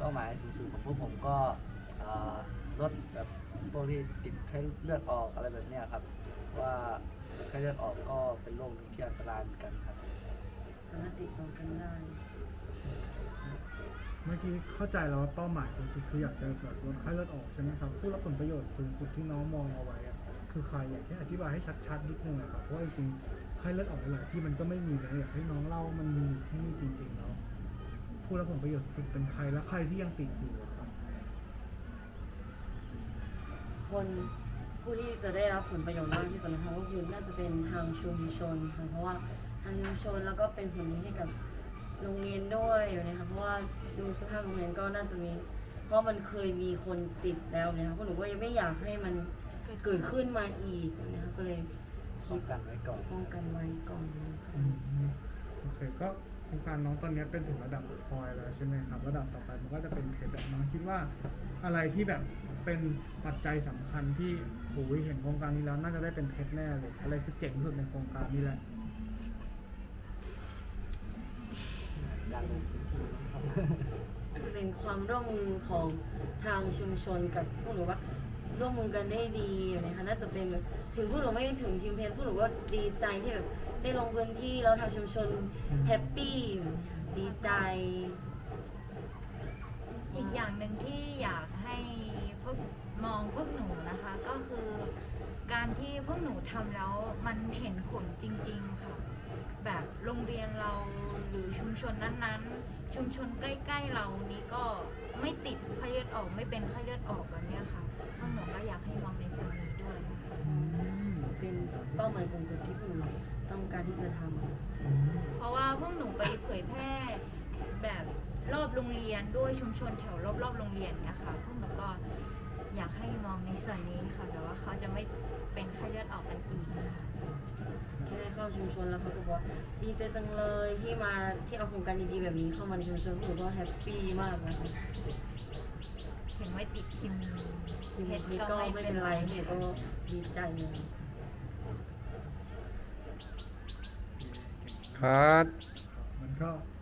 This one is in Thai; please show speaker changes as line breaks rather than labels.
ป้าหมายสูงสุดของพวกผมก็ลดแบบพวกที่ติดไข้เลือดออกอะไรแบบนี้ครับว่าไข้เลือดออกก็เป็นโรคที่อันตรายเหมือนกันครับ
สามารถติดต่อกันได้
เมื่อกี้เข้าใจแล้วว่าเป้าหมายสูงสุดคืออยากจะแบบลดไข้เลือดออกใช่ไหมครับผู้รับผลประโยชน์สูงสุดที่น้องมองเอาไว้คือใครอยากให้อธิบายให้ชัดๆนิดนึงนะครับเพราะว่าจริงๆไข้เลือดออกหลายที่มันก็ไม่มีเลยอยากให้น้องเล่ามันมีที่นี่จริงๆแล้วผู้รับผลประโยชน์สุดเป็นใครและใครที่ยังติดอยู่ครับ
คนผู้ที่จะได้รับผลประโยชน์มากที่สุดนะคะก็คือน่าจะเป็นทางชุมชนค่ะเพราะว่าทางชุมชนแล้วก็เป็นผลดีให้กับโรงเรียนด้วยนะคะเพราะว่าดูสภาพโรงเรียนก็น่าจะมีเพราะมันเคยมีคนติดแล้วนะคะพวกหนูก็ยังไม่อยากให้มันเกิดขึ้นมาอีกนะคะก็เลย
ป้องกันไว้ก่อน
โอเคก็โครงการน้องตอนนี้เป็นถึงระดับพอยแล้วใช่ไหมครับระดับต่อไปมันก็จะเป็นเพชรน้องคิดว่าอะไรที่แบบเป็นปัจจัยสำคัญที่เห็นโครงการนี้แล้วน่าจะได้เป็นเพชรแน่เลยอะไรคือเจ๋งสุดในโครงการนี้แหละ
ดังเลยสิครับ
จะเป็นความร่วมมือของทางชุมชนกับพวกหนูว่าร่วมมือกันได้ดีนะคะน่าจะเป็นแบบถึงพวกหนูไม่ถึงทีมเพนพวกหนูก็ดีใจที่แบบได้ลงพื้นที่แล้วทางชุมชนแฮปปี้ดีใจ
อีกอย่างหนึ่งที่อยากให้มองพวกหนูนะคะก็คือการที่พวกหนูทำแล้วมันเห็นผลจริงๆค่ะแบบโรงเรียนเราหรือชุมชนนั้นๆชุมชนใกล้ๆเรานี้ก็ไม่ติดไข้เลือดออกไม่เป็นไข้เลือดออกแบบนี้ค่ะพวกหนูก็อยากให้มองในส่วนนี้ด้วย
เป็นเป้าหมายสูงสุดที่พวกหนูต้องการที่จะท
ำเพราะว่าพวกหนูไปเผยแพร่แบบรอบโรงเรียนด้วยชุมชนแถวรอบโรงเรียนเนี่ยค่ะพวกหนูก็อยากให้มองในส่วนนี้ค่ะแบบว่าเขาจะไม่เป็นไข้เลือดออกกันอีกค่ะ
แค่เข้าชุมชนแล้วเขาก็บอกว่าดีใจจังเลยที่เอาโครงการดีๆแบบนี้เข้ามาในชุมชนพวกหนูก็แฮปปี้มากนะคะ
ถึงไม่ติดคิม
เพชรก็ไม่เป็นไรเพชรก็ดีใจเลย
ครับ
มันก็